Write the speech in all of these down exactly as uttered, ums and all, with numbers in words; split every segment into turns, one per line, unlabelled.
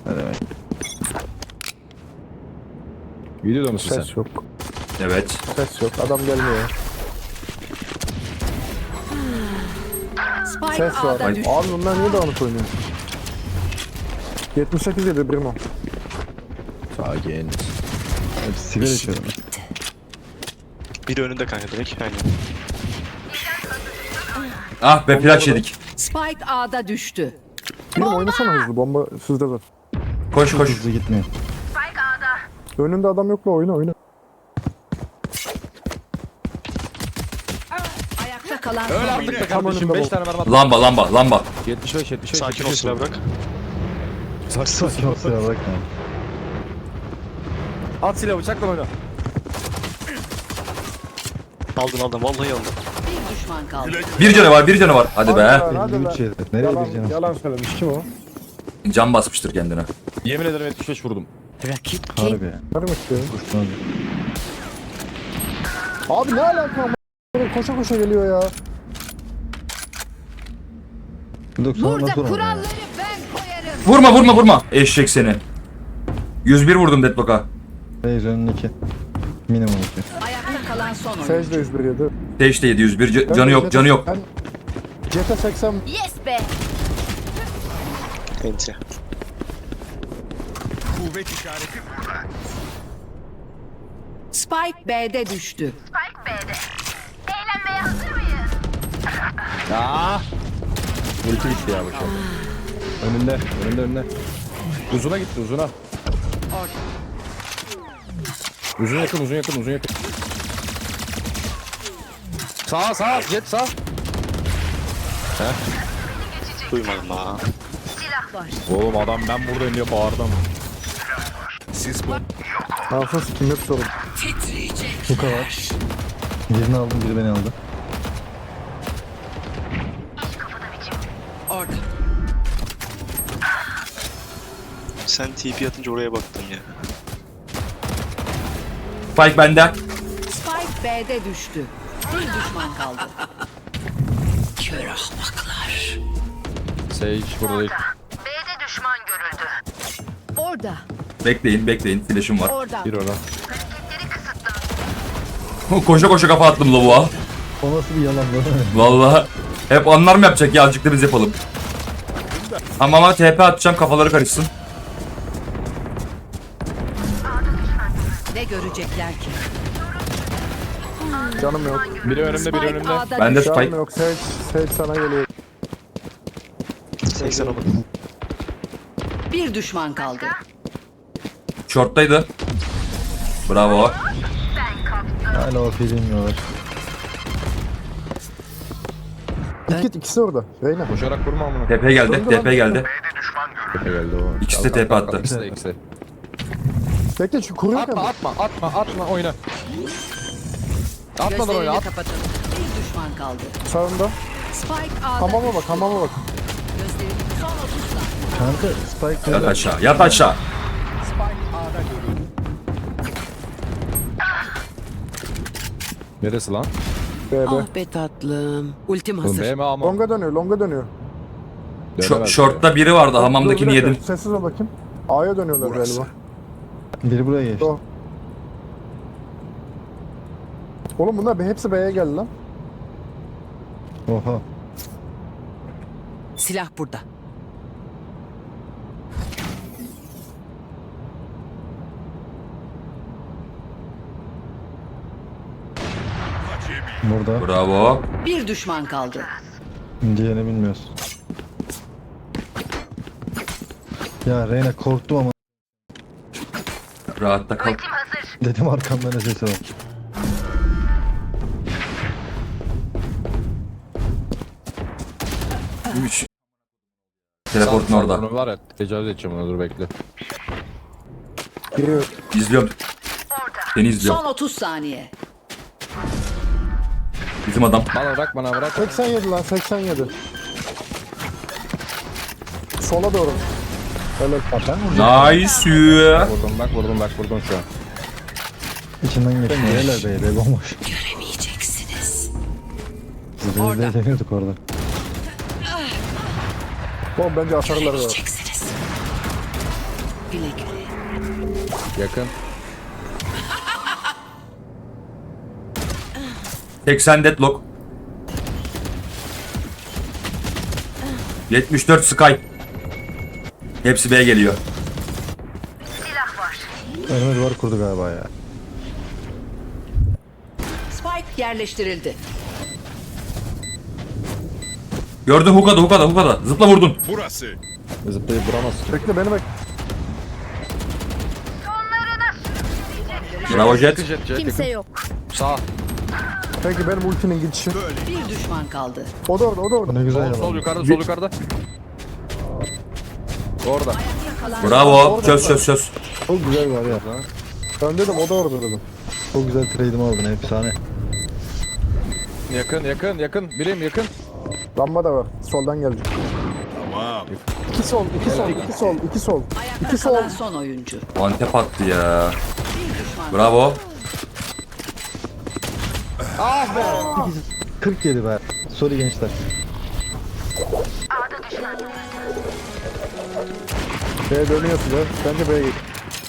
Ne demek?
Videoda mısın sen?
Ses yok.
Evet.
Ses yok. Adam gelmiyor.
Spike
Ses var.
A'da düştü.
Abi bunlar niye dağınık oynuyor? yetmiş sekiz yedi Brimo.
Sakin.
Hep sigara içiyorum.
Biri önünde kanka direkt. Aynen.
Ah be flash yedik.
Spike A'da düştü.
Brimo oynasana hızlı. Bomba sizde de.
Koş koş.
Hızlı gitmiyor.
Önünde adam yok la, oyna oyna.
Ayakta kalan
Öl
son
artık
oyuncu.
be kardeşim.
önünde
beş
bol.
tane mermi attım.
Lamba lamba lamba.
yetmiş beş yetmiş beş.
Sakin ol silah bırak.
Sakin sakin ol.
Kusura bakma.
At silahı bıçakla oyna.
Aldın aldın vallahi aldın.
Bir düşman kaldı.
Bir canı var bir canı var. Hadi
Hadi
be.
lan, hadi
elli
lan.
üç yedi. Nereye
Yalan,
gideceğim?
yalan söylemiş. Kim o?
Can basmıştır kendine.
Yemin ederim yetmiş beş vurdum.
Rakip kim?
Harbi.
Karım istiyor.
Kuştan.
Abi ne alaka ama? Koşa koşa geliyor ya.
doksan
Burada
nasıl olmuyor ya?
kuralları ben koyarım.
Vurma vurma vurma. Eşek seni. yüz bir vurdum Deadlock'a.
Reis önün iki. Minimum iki.
Ayakta kalan son oyuncu.
Secde yüz bir yedi.
Teşte yedi yüz bir. C- canı yok canı yok.
Ben C T seksen
Yes be.
Enti.
Spike B'de düştü.
Aa! Ulti gitti ya boşa. Önünde, önünde önünde. Uzuna gitti uzuna. Uzun yakın, uzun yakın, uzun yakın. Sağ sağ, jet sağ.
Duymadım ha.
Oğlum adam ben buradayım diye bağırdım.
Alfa sikim hep sorun.
Bu kadar. Birini aldım, biri beni aldı.
Orada.
Sen T P atınca oraya baktım ya.
Spike bende.
Spike B'de düştü. Bir düşman kaldı. Kör ahmaklar.
Sage burada değil.
B'de düşman görüldü.
Orada.
Bekleyin bekleyin. Flash'ım var.
Orada.
Bir oradan.
Koşa koşa kafa attım lavuğa.
O nasıl bir yalan lan?
Vallahi. Hep onlar mı yapacak ya? Azıcık da biz yapalım. Ama ama T P atacağım kafaları karışsın.
Ne görecekler ki?
Canım yok.
Biri önümde, biri
Spike
önümde.
A'da
Ben de
düştü.
Spike.
Canım yok. Sage, Sage sana geliyor.
seksen oldu.
Bir düşman kaldı.
Short'taydı. Bravo.
Hala o bilmiyorlar.
Git git ikisi orada. Reyna.
Koşarak vurma amına.
T P geldi. T P geldi.
Tepe geldi o.
İkisi de
Kalk,
T P
kalk,
attı.
kalk. İkisi de ikisi de.
Bekle şu kuruyor
Atma
kendini.
atma atma atma oyna. Atmadan oyna
Gözlerini
at.
kapatın. Bir düşman kaldı.
Sağında.
Spike A'da
Hamama bak, hamama bak.
Gözlerini son otuz saniye.
Kanka Spike
Yat
nerede?
aşağı. Yat aşağı.
Neresi lan?
B B.
Ah be tatlım. Ultim
Oğlum
hazır.
B mi A mı?
Longa dönüyor, longa dönüyor.
Şu,
Dönemez
short'ta biri vardı. Hamamdakini
Dur, bir dakika,
yedim.
Sessiz ol bakayım. A'ya dönüyorlar galiba.
Biri buraya geçti.
O. Oğlum bunlar be- hepsi B'ye geldi lan.
Oha.
Silah burada.
Burada.
Bravo.
Bir düşman kaldı.
Diğerini bilmiyoruz. Ya Reyna korktum ama
Rahatta kal.
dedim arkamdan ne sesi var.
üç. Teleportun orada.
Onu var ya tecavüz edeceğim ona dur bekle.
Giriyor.
İzliyorum. Seni izliyorum.
Son otuz saniye.
Bizim adam.
Bana bırak bana bırak.
seksen yedi lan, seksen yedi. Sola doğru. Öyle.
Nice.
Vurdum bak vurdum bak vurdum şu an.
İçinden geçti. Nereler be be bomboş.
Göremeyeceksiniz.
Biz de deniyorduk orada.
Oğlum bence asarlar var.
Göremeyeceksiniz. Güle güle.
Yakın.
seksen deadlock. yetmiş dört Sky. Hepsi B'ye geliyor.
Silah var.
Önüme duvar kurdu galiba ya.
Spike yerleştirildi.
Gördün hukada hukada hukada. Zıpla vurdun.
Zıplayıp vuramazsın.
Bekle beni bek.
Bravo Jet.
Jet, jet,
Kimse
yakın.
yok.
Sağ.
Peki benim ultinin gidişi.
Bir düşman kaldı.
O da orada o da orada.
Ne güzel
Sol, sol
yalan.
yukarıda, sol yukarıda. Orada.
Bravo. Çöz çöz çöz.
Çok güzel var ya.
Ben dedim o da orada dedim.
Çok güzel trade'imi aldın, efsane.
Yakın, yakın, yakın. Birim yakın.
Lamba da var. Soldan gelecek. Tamam. İki sol, iki sol, iki sol, iki sol.
Ayakta
İki sol.
kalan son oyuncu.
Antep attı ya.
Bir düşman.
Bravo.
kırk yedi be. Sorry gençler.
B'ye dönüyor size. Bence B'ye git.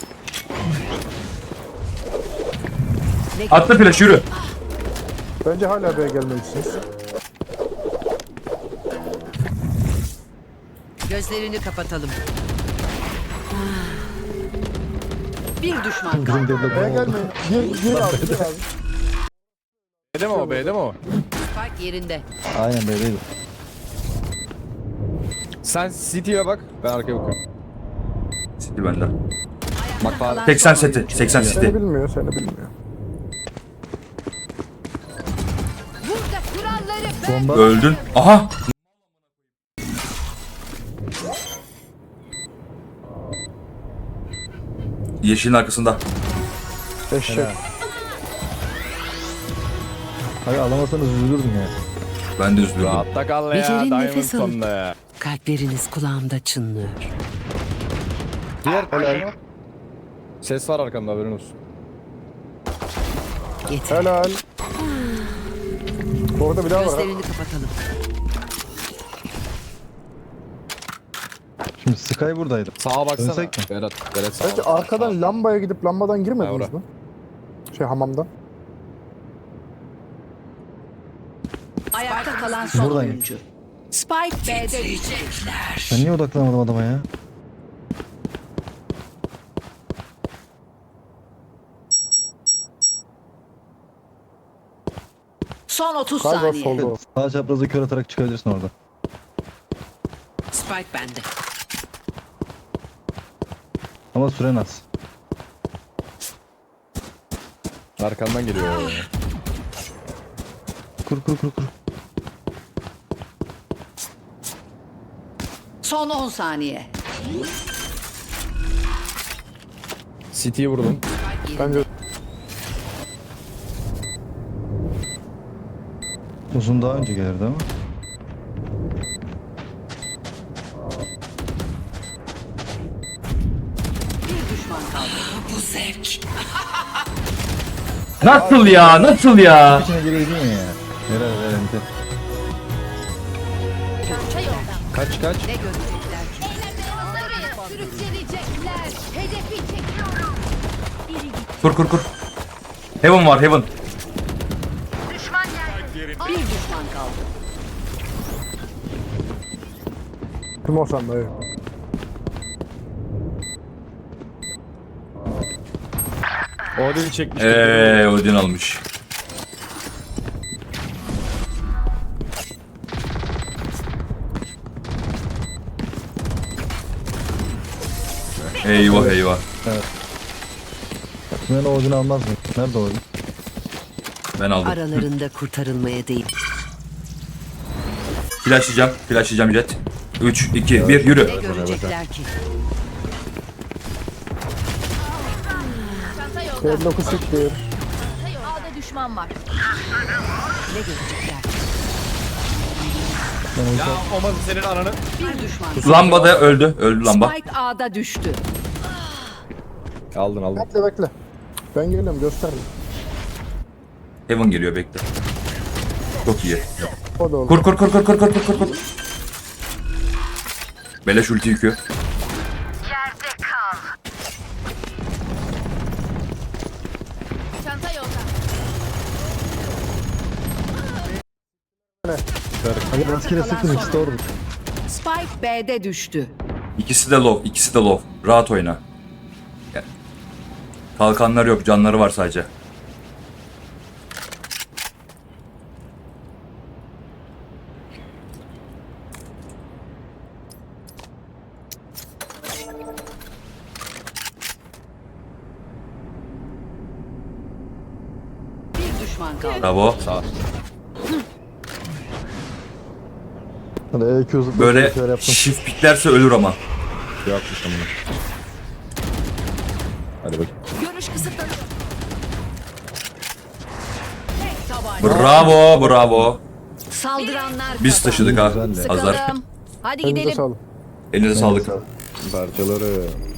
Attı flash yürü.
Bence hala B'ye gelmelisiniz.
Gözlerini kapatalım. Bir düşman
Bizim
kaldı.
deadlock
B'ye
oldu.
gelmeyin. Gir, gir abi, gir abi.
B'de mi o, B'de mi o?
Spike yerinde.
Aynen böyleydi.
Sen City'ye bak, ben arkaya bakıyorum.
City bende.
Bak falan.
seksen seti. seksen
Seni
City.
bilmiyor, seni bilmiyor.
Burada kuralları
Bomba.
Öldün. Aha. Yeşilin arkasında.
Eşek.
Hayır alamasanız üzülürdüm ya.
Ben de üzülürdüm.
Rahatta kal ya,
Becerin
Diamond
nefes alın.
sonunda ya.
Kalpleriniz kulağımda çınlıyor.
Diğer helal. Ses var arkamda, haberin olsun.
Yeter.
Helal. Orada bir daha var. ha.
Gözlerini kapatalım.
Şimdi Sky buradaydı.
Sağa baksana.
Dönsek mi?
Berat, Berat sağa
Bence
bak.
arkadan lambaya gidip lambadan girmediniz
Yavrum.
mi? Şey hamamdan.
Ayakta kalan son
Buradayım.
oyuncu. Spike B'de düştü.
Ben niye odaklanamadım adama ya?
Son otuz
Galiba
saniye.
solda o.
Sağ çaprazı kör atarak çıkabilirsin orada.
Spike bende.
Ama süren az.
Arkandan geliyor.
Kur kur kur kur.
Son on saniye.
City'yi vurdum.
Bence
Uzun daha önce gelirdi ama.
Bir düşman kaldı. Bu zevk.
Nasıl ya? Nasıl ya?
İçine gireydin ya. Helal helal ente.
çanta yolda.
Kaç kaç.
Ne görecekler ki?
Eğlenmeye hazır. Sürüklenecekler. Hedefi çekiyorum. Biri gitti.
Kur kur kur. Heaven var Heaven.
Düşman geldi.
Bir düşman kaldı.
kim olsan dayı.
Odin çekmiş.
Eee Odin almış. Eyvah eyvah.
Ben o Odin'i almaz mıyım? Nerede Odin?
Ben aldım.
Aralarında kurtarılmaya değil.
Flashlayacağım. Flashlayacağım Jet. üç, iki, bir yürü.
Ne görecekler ki?
Çanta yolda.
Deadlock'u siktir.
Çanta yolda. A'da düşman var.
Ne görecekler ki?
Ya olmaz senin ananı.
Bir düşman.
Lamba da öldü. Öldü lamba.
Spike A'da düştü.
Aldın aldın.
Bekle bekle. Ben geliyorum gösterme.
Heaven geliyor bekle. Çok iyi.
O da oldu.
Kur kur kur kur kur kur kur kur. Beleş ulti yükü.
Yerde kal.
Hadi rastgele sıktım ikisi de orada.
Spike B'de düştü.
İkisi de low, ikisi de low. Rahat oyna. Gel. Kalkanları yok, canları var sadece.
Bir düşman kaldı.
Bravo.
Hadi E Q zıplayıp
Böyle
bir şeyler yaptım.
shift piklerse ölür ama.
Yapmışım bunu. Hadi bakayım.
Görüş kısıtlanıyor.
Bravo, bravo.
Saldıranlar
Biz taşıdık ha.
Güzel de.
Azar.
Sıkalım. Hadi
Elinize
gidelim.
sağlık.
Elinize sağlık.
Parçaları.